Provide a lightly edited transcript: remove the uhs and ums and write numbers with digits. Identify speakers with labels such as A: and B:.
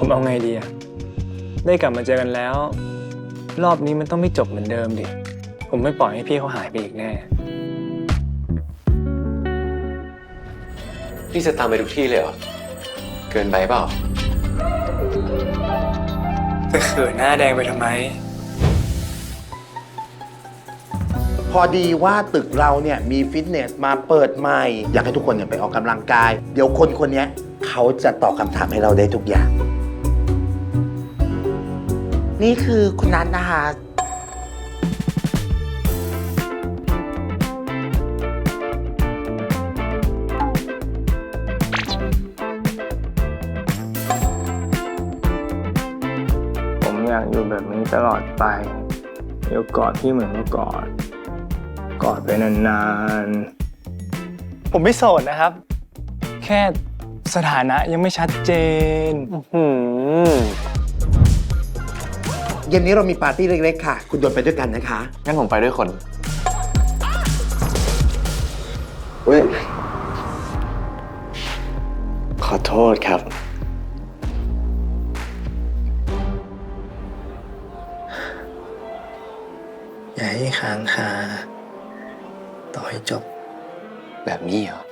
A: ผมเอาไงดีอะได้กลับมาเจอกันแล้ว รอบนี้มันต้องไม่จบเหมือนเดิมดิผมไม่ปล่อยให้พี่เขาหายไปอีกแน่
B: พี่จะตามไปทุกที่เลยเหรอเกินไปเปล่า
A: ไปเขินหน้าแดงไปทำไม
C: พอดีว่าตึกเราเนี่ยมีฟิตเนสมาเปิดใหม่ อยากให้ทุกคนเนี่ยไปออกกำลังกาย เดี๋ยวคนนี้เขาจะตอบคำถามให้เราได้ทุกอย่าง นี่คือคุณนัทนะคะ
A: ผมอยากอยู่แบบนี้ตลอดไปเดี๋ยวกอดพี่เหมือนเมื่อก่อนกอดไปนานๆผมไม่โสดนะครับ แค่สถานะยังไม่ชัดเจน
C: เย็นนี้เรามีปาร์ตี้เล็กๆค่ะ คุณโดนไปด้วยกันนะคะ
B: งั้นผมไปด้วยคนเว้ยขอโทษครับ
A: อย่าให้ค้างคาต่อให้จบ
B: แบบนี้เหรอ